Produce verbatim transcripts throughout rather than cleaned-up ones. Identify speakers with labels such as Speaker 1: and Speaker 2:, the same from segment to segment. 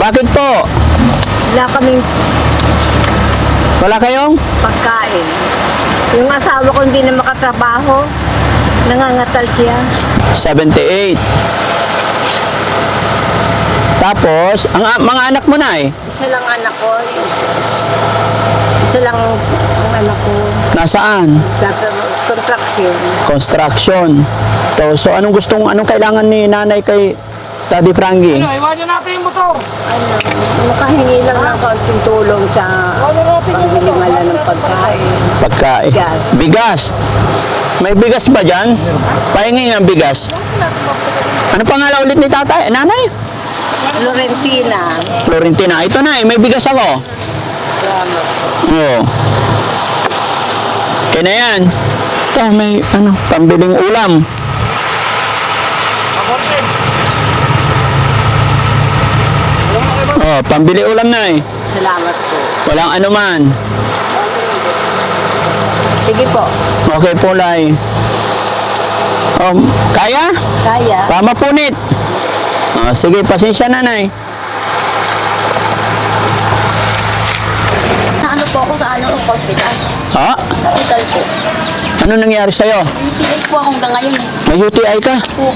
Speaker 1: Bakit po?
Speaker 2: Wala kaming
Speaker 1: Wala kayong?
Speaker 2: pagkain. Yung asawa ko hindi na makatrabaho. Nangangatal siya.
Speaker 1: seventy-eight. Tapos, ang a- mga anak mo na eh,
Speaker 2: Isa lang anak ko. Isa lang ang anak ko.
Speaker 1: nasaan?
Speaker 2: Contraction.
Speaker 1: Construction. So, so anong gustong, anong kailangan ni nanay kay Daddy Frankie?
Speaker 3: Ano, iwanan natin yung motor.
Speaker 2: Ano, makahingi lang ng kaunting tulong sa pambili mala ng pagkain.
Speaker 1: Pagkain.
Speaker 2: Bigas.
Speaker 1: Bigas. May bigas ba dyan? Pahingi ng bigas. Ano pangalan ulit ni tatay? Nanay?
Speaker 2: Florentina.
Speaker 1: Florentina. Ito na eh, may bigas ako. Oo. Kaya na yan. Ito, may ano, pambiling ulam. Oh, pambili ulam na eh.
Speaker 2: Salamat po.
Speaker 1: Walang anuman.
Speaker 2: Sige po.
Speaker 1: Okay po, Lai. Um, kaya?
Speaker 2: Kaya.
Speaker 1: Tama punit. Oh, sige, pasensya nanay.
Speaker 4: Na ano po ako sa ano, hospital.
Speaker 1: Ha?
Speaker 4: Hospital po.
Speaker 1: Ano nangyari sa'yo?
Speaker 4: Tinake po ako hanggang ngayon eh.
Speaker 1: May U T I ka?
Speaker 4: Po.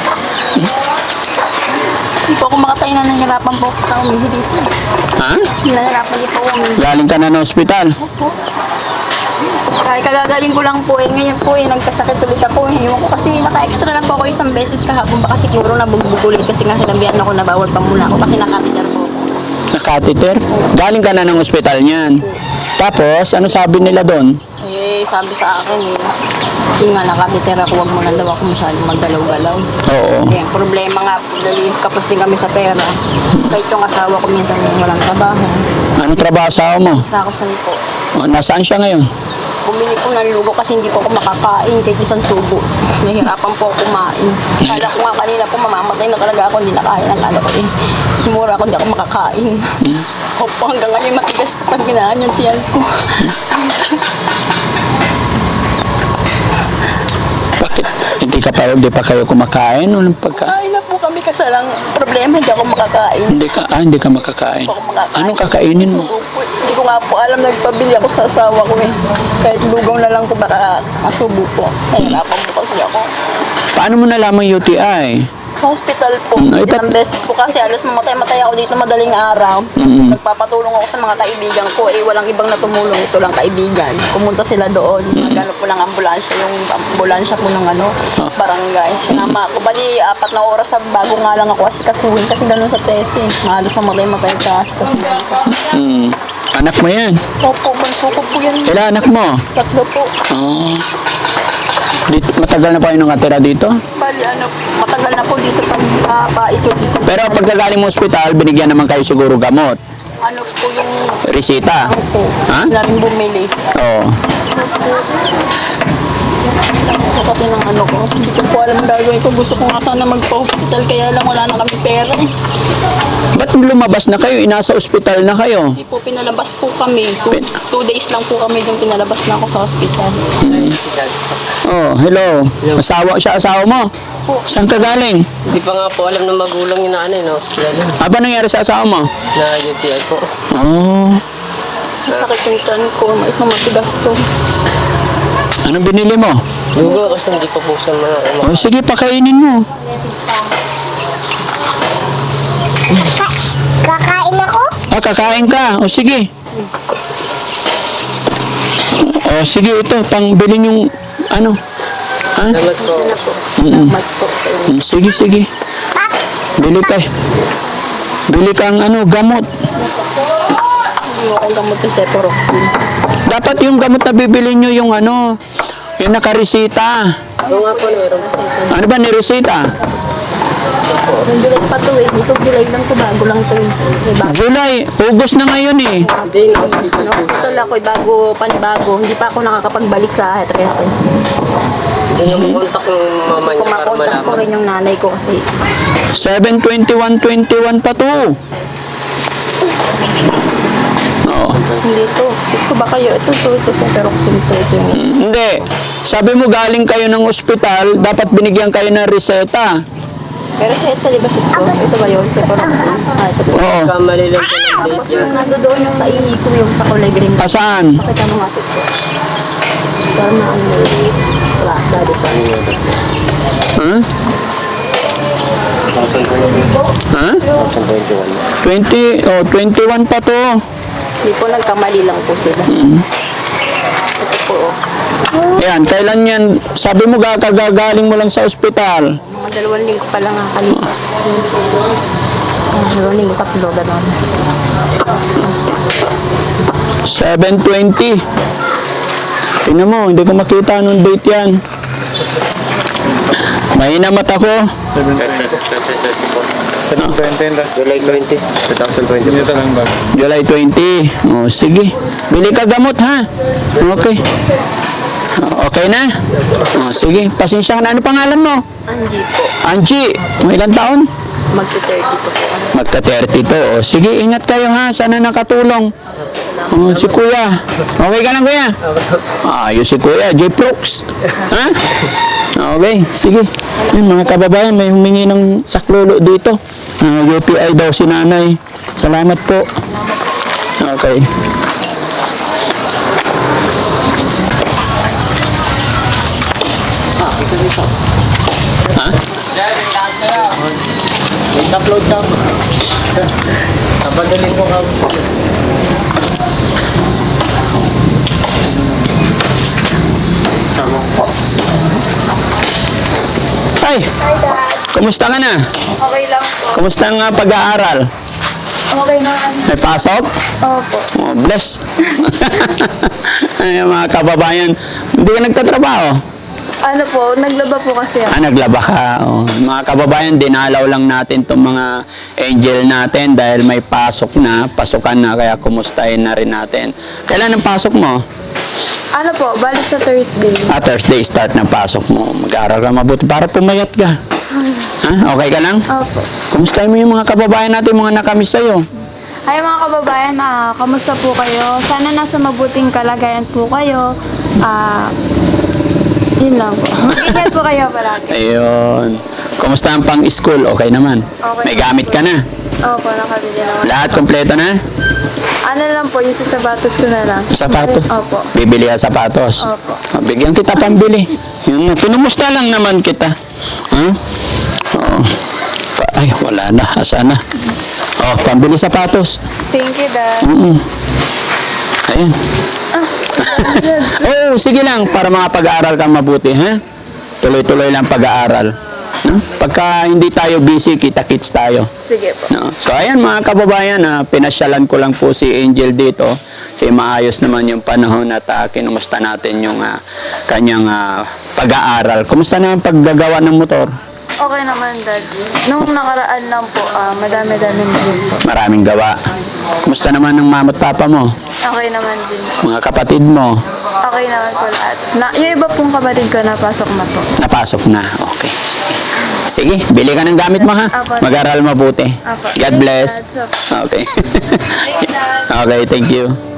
Speaker 4: Hindi po ako makatayo na nahihirapan po ako sa umihi dito.
Speaker 1: Ha?
Speaker 4: Nahihirapan din po ako umihi.
Speaker 1: Galing ka na ng ospital?
Speaker 4: Po. Kahit kagagaling ko lang po eh. Ngayon po eh, nagkasakit ulit ako eh. Ewan ko kasi naka-extra lang po ako isang beses kahapon. Baka siguro nabugbog ulit kasi nga sinabihan ako na bawal pa muna ako kasi nakatidar po ako.
Speaker 1: Nakateter? Galing ka na ng ospital niyan. Tapos, ano sabi nila doon?
Speaker 4: Eh, sabi sa akin eh. Yung nga nakatidar ako, wag mo na daw ako masyadong maggalaw-galaw.
Speaker 1: Oo.
Speaker 4: Eh, ang problema nga po, dali kapos din kami sa pera. Kahit yung asawa ko minsan walang trabaho.
Speaker 1: Anong trabaho sa mo?
Speaker 4: Sa ako saan po.
Speaker 1: Oh, nasaan siya ngayon?
Speaker 4: Bumili po ng lugo kasi hindi po ako makakain kahit isang subo. Nahihirapan po ako kumain. Kala ko nga kanina po mamamatay na talaga ako, hindi nakain ang ano ko eh. Sigmura ako, hindi ako makakain. Opo, hanggang ngayon matigas po pag ginaan yung tiyan ko.
Speaker 1: Bakit? Hindi ka pa, hindi pa kayo kumakain? Walang pagka...
Speaker 4: Kain na po kami kasi lang problema, hindi ako makakain.
Speaker 1: Hindi ka, ah, hindi ka makakain.
Speaker 4: Hindi ako makakain.
Speaker 1: Anong kakainin mo?
Speaker 4: Opo, hindi ko nga po alam, nagpabili ako sa asawa ko eh. Kahit lugaw na lang po baka masubo po. Nahihirapan po kasi ako.
Speaker 1: Paano mo nalaman U T I?
Speaker 4: Sa hospital po,
Speaker 1: Mm, ay,
Speaker 4: ilang beses po kasi alos mamatay-matay ako dito madaling araw.
Speaker 1: Mm.
Speaker 4: Nagpapatulong ako sa mga kaibigan ko, eh walang ibang natumulong, ito lang kaibigan. Pumunta sila doon, nagano po ng ambulansya, yung ambulansya po ng ano, barangay. Sinama ako, bali apat na oras sa bago nga lang ako kasi kasuhin, kasi ganun sa tesi. Mahalos mamatay-matay ka kasi kasi.
Speaker 1: Hmm. Anak mo yan?
Speaker 4: Opo, bunso ko po yan.
Speaker 1: Kailan anak mo?
Speaker 4: Tatlo po.
Speaker 1: Oh. Dito, matagal na pa kayo nakatira dito?
Speaker 4: Bali ano, matagal na po dito pag uh, paikot dito.
Speaker 1: Pero pagkagaling mo ospital, binigyan naman kayo siguro gamot.
Speaker 4: Ano po yung
Speaker 1: Resita.
Speaker 4: ano po,
Speaker 1: Ha?
Speaker 4: namin bumili.
Speaker 1: Oo.
Speaker 4: Kasi ng ano ko, hindi ko po alam ang gagawin ko. Gusto ko nga sana magpa-hospital, kaya lang wala na kami pera eh.
Speaker 1: Ba't lumabas na kayo? Inasa ospital na kayo?
Speaker 4: Hindi po, pinalabas po kami. Two,
Speaker 1: Pin-
Speaker 4: two days lang po kami yung pinalabas na ako sa hospital.
Speaker 1: Oh, hello. Asawa siya, asawa mo?
Speaker 4: Po.
Speaker 1: Saan ka galing?
Speaker 5: Hindi pa nga po alam ng magulang yung nanay, no? Kaya yun,
Speaker 1: Ano nangyari sa asawa mo?
Speaker 5: na U T I po.
Speaker 1: Oh.
Speaker 4: Masakit yung tiyan ko, may matigas to.
Speaker 1: Anong binili mo?
Speaker 5: Lugo kasi hindi pa po sa mga...
Speaker 1: Oh, sige, pakainin mo.
Speaker 2: Kakain ako?
Speaker 1: Ah, kakain ka. O, sige. O, sige, ito. Pangbilin yung, ano. Ha?
Speaker 5: Salamat po.
Speaker 1: Mm-mm.
Speaker 4: Mat po sa inyo.
Speaker 1: Mm, sige, sige. Bili ka. Bili kang, ano, gamot.
Speaker 4: Hindi ko akong gamot yung Cefuroxime.
Speaker 1: Dapat yung gamot na bibili nyo yung, ano, yung nakaresita.
Speaker 5: Oo nga po, meron.
Speaker 1: Ano ba niresita?
Speaker 4: Yung July pa to eh. Ito July lang to, bago lang to eh. May bago.
Speaker 1: July. August na ngayon eh.
Speaker 5: Hindi, na-hospital po.
Speaker 4: Hospital ako eh, bago, panibago. Hindi pa ako nakakapagbalik sa Hetrese.
Speaker 5: Hindi na makontak yung mama niya para
Speaker 4: Kumakontak ko
Speaker 5: malaman.
Speaker 4: rin yung nanay ko kasi
Speaker 1: seven twenty-one twenty-one pa to. Oo.
Speaker 4: hindi to. Sip ko ba kayo? Ito, ito, ito, Cefuroxime to. Ito yung
Speaker 1: Hindi. Sabi mo galing kayo ng ospital, dapat binigyan kayo ng reseta.
Speaker 4: Pero sa ito, di ba sit ko? Ito ba yun? Cephaloxin? Ah, ito po.
Speaker 1: Oo.
Speaker 5: Kamali lang po ng date
Speaker 4: Tapos
Speaker 5: yan.
Speaker 4: yung nandoon yung sa ini ko, yung sa kulay green.
Speaker 1: Ah, saan?
Speaker 4: Pakita mo nga sit ko. Para maano na yun. Wala, dali pa.
Speaker 1: Ha? Ha? twenty, oh, twenty-one pa to.
Speaker 4: Hindi po, nagkamali lang po sila. Ito po, oh.
Speaker 1: Ayan, kailan yan? Sabi mo kakagagaling mo lang sa ospital.
Speaker 4: Mga dalawang linggo pa lang ang kalipas. Mga dalawang linggo, tatlo, gano'n.
Speaker 1: seven twenty. Tingnan mo, hindi ko makita anong date yan. Mahina mata ko.
Speaker 5: July twenty, twenty twenty.
Speaker 1: July twenty. Oh, sige. Bili ka gamot, ha? Okay. Oh, okay na? Oh, sige. Pasensya ka na. Ano pangalan mo?
Speaker 4: Angie po.
Speaker 1: Angie. May ilang taon?
Speaker 4: Magti-thirty po po.
Speaker 1: Magta thirty to. Oh, sige, ingat kayo, ha? Sana nakatulong. Oh, si Kuya. Okay ka lang, Kuya? Ayos si Kuya. J-Prox. Ha? Okay, sige. Yan, mga kababayan, may humingi ng saklolo dito. Uh, U P I daw si nanay. Salamat po. Okay. Ha?
Speaker 5: Upload ka. Napadalin ko ka.
Speaker 1: Ay! Kumusta ka na?
Speaker 2: Okay lang po.
Speaker 1: Kumusta ang uh, pag-aaral?
Speaker 2: Okay naman.
Speaker 1: May pasok?
Speaker 2: Opo.
Speaker 1: Oh, bless. Ay, mga kababayan, hindi ka nagtatrabaho?
Speaker 2: Ano po, naglaba po kasi ako.
Speaker 1: Ah, naglaba ka. Oh. Mga kababayan, dinalaw lang natin itong mga angel natin dahil may pasok na, pasukan na, kaya kumustahin na rin natin. Kailan ang pasok mo?
Speaker 2: Ano po, bali sa Thursday.
Speaker 1: Ah, Thursday start ng pasok mo. Mag-aaral ka mabuti para pumayat ka. Ha? Okay ka lang?
Speaker 2: Opo.
Speaker 1: Kumustahin mo yung mga kababayan natin, mga nakamiss sa'yo?
Speaker 2: Ay mga kababayan, ah, kamusta po kayo? Sana nasa mabuting kalagayan po kayo. Ah, yun lang po. Mag-ingat po kayo parati.
Speaker 1: Ayun. Kumusta ang pang-school? Okay naman?
Speaker 2: Okay.
Speaker 1: May gamit ka na?
Speaker 2: Opo, nakabili naman.
Speaker 1: Lahat kompleto na?
Speaker 2: Ano lang po, yung sa sapatos ko na lang.
Speaker 1: Sapatos?
Speaker 2: Opo.
Speaker 1: Bibili ka sapatos?
Speaker 2: Opo.
Speaker 1: Oh, bigyan kita pambili. Yun, na. Pinumusta lang naman kita. Ha? Oo. Pa- Ay, wala na. Asa na? Oh, pambili sapatos.
Speaker 2: Thank you, Dad.
Speaker 1: Mm. Ayun. Oh, sige lang para mga pag-aaral kang mabuti, ha? Tuloy-tuloy lang pag-aaral. No? Pagka hindi tayo busy, kita-kits tayo.
Speaker 2: Sige po.
Speaker 1: No? So, ayan mga kababayan, ah, pinasyalan ko lang po si Angel dito. Kasi maayos naman yung panahon at uh, kinumusta natin yung ah, kanyang ah, pag-aaral. Kumusta naman paggagawa ng motor?
Speaker 2: Okay naman, Dad. Nung nakaraan lang po, ah, madami-dami din po.
Speaker 1: Maraming gawa. Kumusta naman ng mama at papa mo?
Speaker 2: Okay naman din po.
Speaker 1: Mga kapatid mo?
Speaker 2: Okay naman po lahat. Na, yung iba pong kapatid ko napasok na po.
Speaker 1: Napasok na. Okay. Sige, bili ka ng gamit mo, ha?
Speaker 2: Apo.
Speaker 1: Mag-aral mabuti.
Speaker 2: Apo.
Speaker 1: God bless.
Speaker 2: Thanks, Dad.
Speaker 1: Okay.
Speaker 2: Thanks, Dad.
Speaker 1: Okay, thank you.